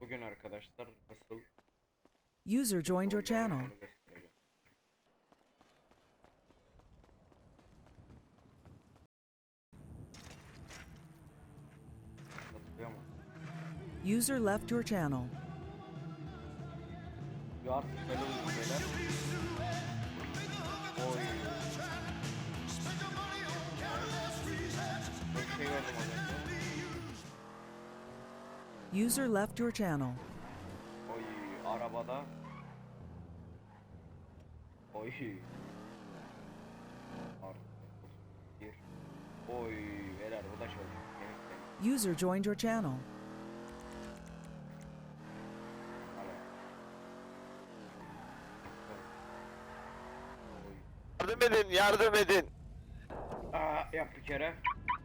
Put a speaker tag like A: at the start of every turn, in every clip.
A: Bugün arkadaşlar nasıl
B: User joined your channel.
A: onu göstereceğim. Hatırlıyor musun?
B: User left your channel.
A: Bir artık böyle bir şeyler. Oy. Bir şey gördüm az önce.
B: User left your channel.
A: Oy arabada. Oy. Artık bir. Oy beyler bu da şöyle. Yemek
B: User joined your channel.
C: Yardım edin, yardım edin.
A: Yap bir kere.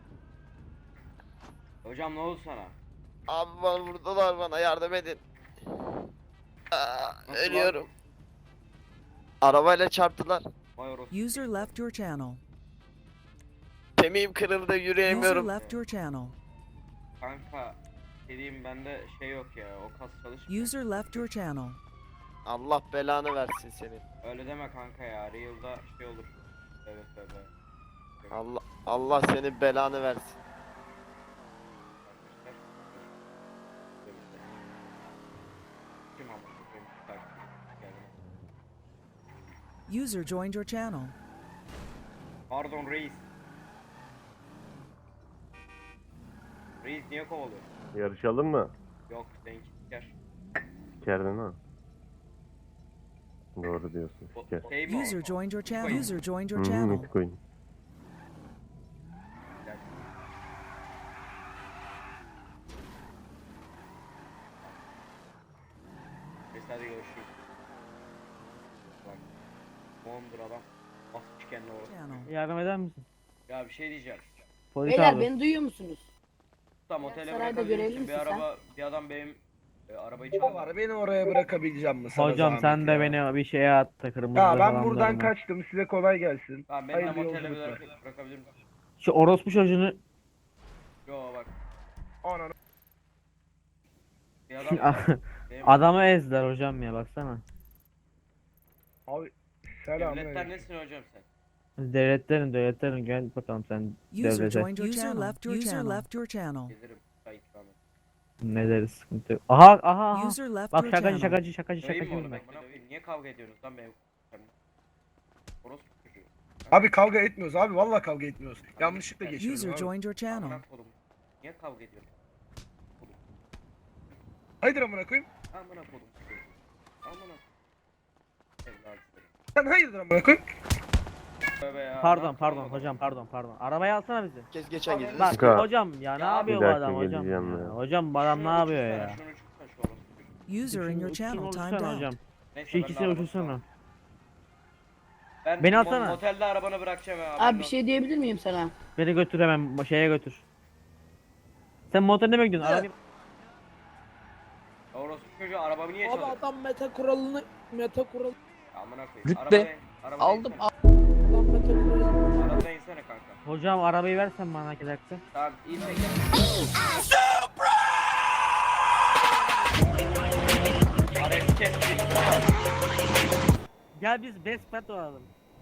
A: Hocam ne oldu sana?
C: Abi bana vurdular, bana yardım edin.
A: Nasıl
C: Ölüyorum. Arabayla çarptılar.
A: Vay orası.
B: User left your channel.
C: Kemiğim kırıldı,
B: User
C: yürüyemiyorum.
B: left your channel.
A: Kanka dediğim bende şey yok ya, o kas çalışmıyor.
B: User left your channel.
C: Allah belanı versin senin.
A: Öyle deme kanka ya, Real'da şey olur. Evet evet.
C: Allah senin belanı versin.
A: Kim ama?
B: User joined your channel.
A: Pardon reis. Reis niye kovalıyor?
D: Yarışalım mı?
A: Yok seninki siker.
D: Sikerdin ha. Doğru diyorsun, siker.
A: Şey mi o?
B: User joined your channel.
A: Bitcoin.
B: User joined your
D: Hı,
B: channel.
D: Bitcoin.
A: Gel. Neyse hadi görüşürüz. Bak. Mondur adam. Basmış kendine orası.
B: Channel.
E: Yardım eder misin?
A: Ya bir şey diyeceğim.
E: Polis
F: Beyler
E: abi.
F: beni duyuyor musunuz?
A: Tam otele
F: sarayda
A: bırakabilir
F: görevli
A: misin? Bir
F: misin sen?
A: araba, bir adam benim arabayı
G: Ne
A: çaldı.
G: var? Beni oraya bırakabileceğim mi sana
E: Hocam
G: zahmet
E: sen de
G: ya?
E: beni bir şeye attı kırmızı
G: Ya ben
E: falan
G: buradan
E: durma.
G: kaçtım. Size kolay gelsin.
A: Tamam beni de
G: Hayırlı
A: motele
G: yolculuklar.
A: bırakabilir misin?
E: Şu orospu çocuğunu
A: Yo bak.
G: Ananı.
A: Bir adam var. Benim
E: adamı ezdiler hocam ya baksana.
G: Abi
A: devletten
G: selam.
A: nesin hocam sen?
E: Devletlerin gel bakalım sen
B: User
E: devlete.
B: joined your channel. User left your channel.
A: Gelirim. Say ikram et.
E: Ne deriz sıkıntı yok. Aha.
B: User left
E: Bak
B: your
E: şakacı
B: channel.
E: şakacı
A: Döveyim mi onu?
E: ben.
A: Bak bana koyayım. Niye kavga ediyorsunuz lan benim? Orospu çocuğu.
G: Abi kavga etmiyoruz abi. Vallahi kavga etmiyoruz. Yanlışlıkla geçiyoruz
B: User
G: abi.
B: joined your channel.
A: Amına kodum. Niye kavga ediyorsun?
G: Haydır amına koyayım.
A: Amına kodum. Amına. Evladım.
G: Sen hayırdır amına koyayım.
A: Tövbe ya.
E: Pardon hocam pardon. Arabayı alsana bizi.
C: Kes geçen gidin.
E: Bak
D: Sıkı.
E: hocam ya ne
A: Ya
E: yapıyor
D: bir
E: bu
D: dakika
E: adam hocam
D: geleceğim
E: ya.
D: ya.
E: Hocam bu adam ne yapıyor ya.
A: Şunu uçursana şu orospu.
B: User in your channel
E: Uçursana
B: timed out.
E: hocam.
A: Neyse,
E: Şu
A: ben de
E: ikisini
A: arabada-
E: uçursana.
A: Ben
E: Beni alsana.
A: Motelde arabanı bırakacağım ya.
F: Abi bir şey diyebilir miyim sana?
E: Beni götür hemen şeye götür. Sen motoruna mı gidiyorsun? Arabayı...
A: Orospu çocuğu arabamı niye
H: Abi
A: çalıyor?
H: adam meta kuralını
A: Amına koyayım.
H: Rütbe.
A: Arabada
H: aldım
A: insene.
H: adam meta kuralını
A: Arabada insene kanka.
E: Hocam arabayı versen bana 2 dakika.
A: Tamam iyi peki. Arayı kestik.
E: Gel biz best friend olalım.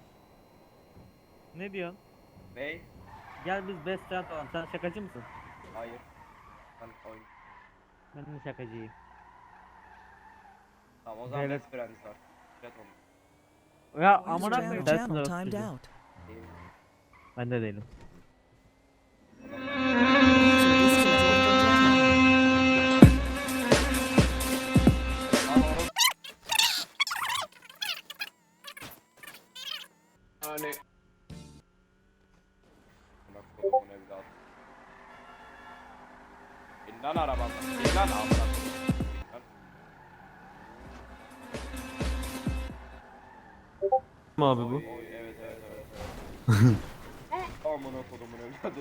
E: Ne diyorsun?
A: Bey.
E: Gel biz best friend olalım. Sen şakacı mısın?
A: Hayır. Ben oyun.
E: Ben de şakacıyım.
A: Tamam o zaman
E: Evet.
A: best friends var. Fred olmuş.
E: Ya
B: User
E: amına
B: joined
E: koyayım.
B: your
E: Dersin
B: channel
E: orospu
B: timed
E: çocuğu.
B: out.
A: Değil.
E: Ben de değilim.
B: User disconnected from your channel.
A: Hani. Bak kodumun evladı. İn lan arabamdan. İn lan amına koyayım. İn lan.
D: Mi abi bu?
A: Oy, evet evet evet. Amına kodumun evladı.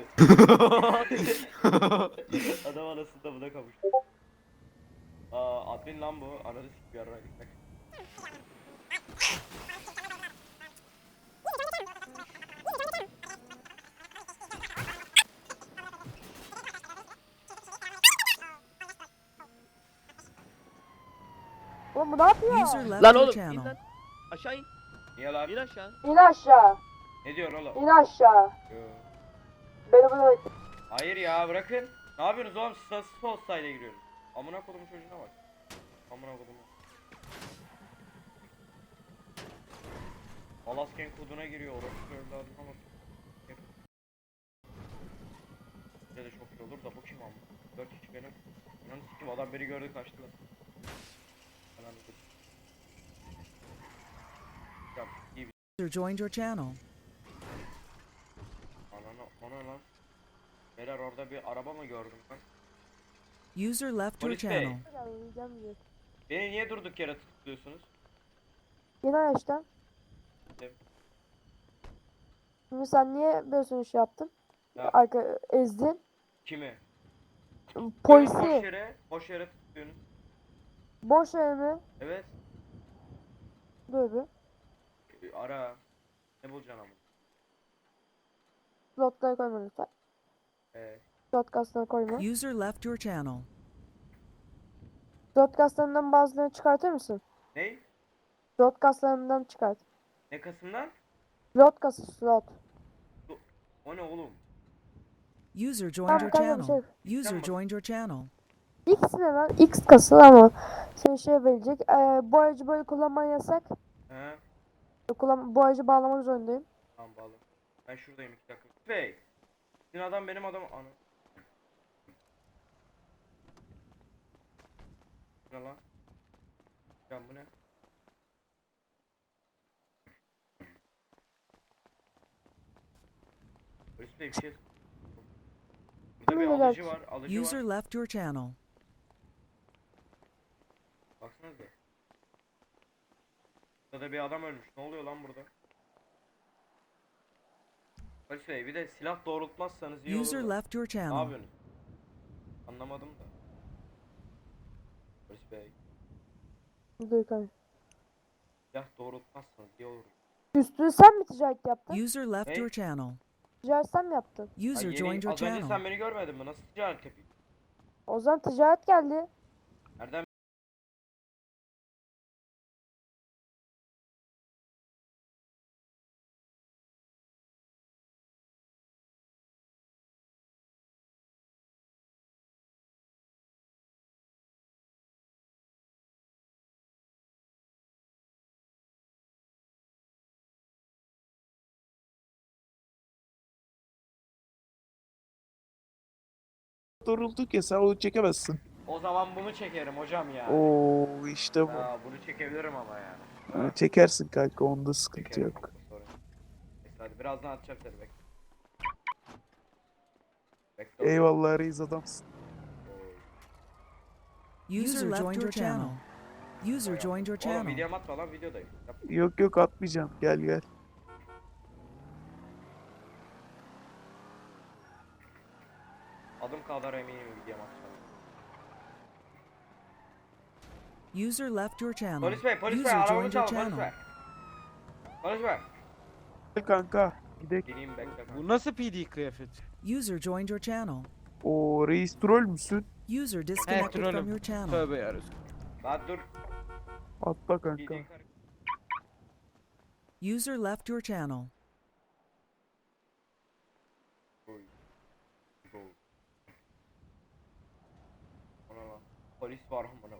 A: Adam anasında buna kavuştu. Admin lan bu. Ananı sik bir ara gitmek.
F: Oğlum bu ne yapıyor?
B: User left
C: Lan
B: your
C: oğlum in
B: channel.
C: lan. Aşağı in.
A: Niye lan?
C: İn aşağı.
F: İn aşağı.
A: Ne diyor oğlum?
F: İn aşağı.
A: Yo.
F: Beni burada bekle.
A: Hayır ya bırakın. Ne yapıyorsunuz oğlum? Stasis postayla giriyoruz. Amına kodumun çocuğuna bak. Amına kodumun. Alasken koduna giriyor. Orası öyle adına bak. Bize de çok iyi olur da bu kim amma? 4 kişi benim. İnanın sikim adam beni gördü kaçtılar. Ben anladım. Ya iyi bir
B: User joined your channel.
A: ana lan. Beyler orada bir araba mı gördüm ben?
B: User left your
A: Polis bey.
B: channel.
A: Beni niye durduk yere tutukluyorsunuz?
F: İn aşağı.
A: Gittim.
F: Şimdi sen niye böyle sonuç yaptın?
A: Ya.
F: Arka ezdin.
A: Kimi?
F: Polisi.
A: Boş yere tutuyorsunuz.
F: Boş yer mi?
A: Evet.
F: Dur bir.
A: Ara. Ne bulacaksın ama?
F: Slotları koyma lütfen. Slot kaslarına koyma.
B: User left your channel.
F: Slot kaslarından bazılarını çıkartır mısın?
A: Ne?
F: Slot kaslarından çıkart.
A: Ne kasından?
F: Slot kası slot.
A: O ne oğlum?
B: User joined
F: Tamam
B: your
F: kanka bir
B: channel.
F: şey.
B: User joined your channel.
F: X ne lan? X kası ama seni şey verecek. Bu aracı böyle kullanman yasak.
A: He?
F: Bu aracı bağlamak zorundayım.
A: Tamam bağlı. Ben şuradayım 2 dakika. Bey. Sizin adam benim adam. Ana. Ne lan? Ya bu ne? Polis bey bir şey. Burada bir
F: Ne
A: alıcı var. Alıcı
B: User
A: var.
B: left your channel.
A: Baksanıza. Burada bir adam ölmüş. Ne oluyor lan burada? Polis bey bir de silah doğrultmazsanız iyi
B: User
A: olur da.
B: left your
A: Ne
B: channel.
A: yapıyorsunuz? Anlamadım da. Polis bey.
F: Dur kanka.
A: Silah doğrultmazsanız iyi olur.
F: Üstünü sen mi ticaret yaptın?
B: User left
A: Hey.
B: your channel.
F: Ticaret sen mi yaptın?
B: User
A: Ay,
B: joined your
A: az önce
B: channel.
A: sen beni görmedin mi? Nasıl ticaret yapayım?
F: O zaman ticaret geldi.
A: Nereden?
I: Durulduk ya sen onu çekemezsin.
A: O zaman bunu çekerim hocam ya.
I: Oo işte bu.
A: Ha, bunu çekebilirim ama yani.
I: Çekersin kanka onda sıkıntı
A: Çekerim,
I: yok.
A: sorun yok. Neyse hadi birazdan atacağım seni bekle. Bekle.
I: Eyvallah reis adamsın.
B: User left your channel. User joined your
A: Oğlum
B: channel.
A: videom atma lan videodayım. Yap.
I: Yok yok atmayacağım gel gel.
A: Adım kadar eminim videom atacağım.
B: User left your channel.
A: Polis bey
B: User
A: arabamı
B: joined your
A: çal polis
B: channel.
A: bey. Polis bey.
I: Gel kanka gidelim.
A: Geleyim bekle.
J: Bu nasıl PD kıyafet?
B: User joined your channel.
I: Oo reis troll müsün?
B: User disconnected from
J: trollüm.
B: your channel.
J: Tövbe yarısı.
A: Lan dur.
I: Atla kanka.
A: Giydiğin karı.
B: User left your channel.
A: Oy. Oy. Ona lan. Polis var amına.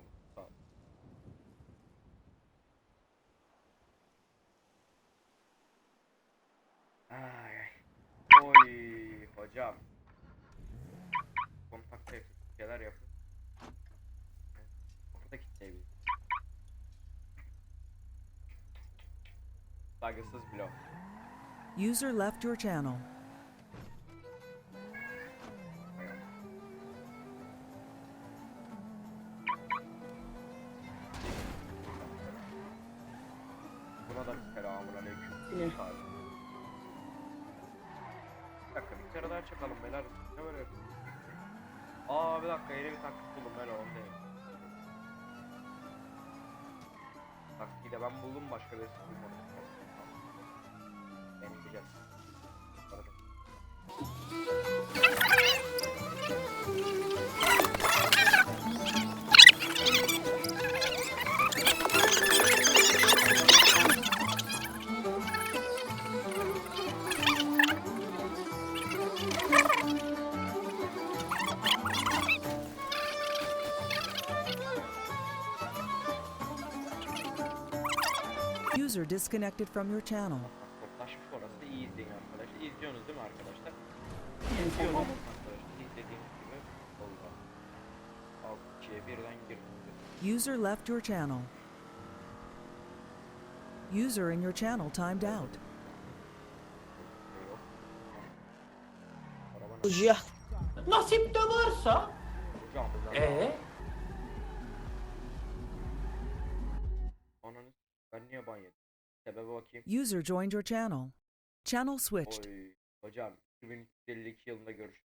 A: Ay ay. Oy hocam. Kontakta şeyler yapın. Kapıda kilitleyebilir. Saygısız blok.
B: User left your channel.
A: Buna da selamun aleyküm. Bir dakika bir kere daha çakalım beyler. Ne böyle yapıyorsun? Aa bir dakika yeni bir taktik buldum ben onu değil. Taktiği de ben buldum başka birisi bulmadı. Deneyeceğiz.
B: User disconnected from your channel.
A: Kodlaşmış orası. İyi izleyin arkadaşlar. İzliyorsunuz değil mi arkadaşlar? İzliyorsunuz arkadaşlar. İzlediğiniz gibi oldu. 6 kişiye birden girdi.
B: User left your channel. User in your channel timed out.
A: Yok. Araba
H: Hocam.
J: Nasip de varsa.
A: Hocam. Ananı ben niye ban yedim? Sebebe bakayım.
B: User joined your channel. Channel switched.
A: Oy. Hocam 2052 yılında görüşürüz.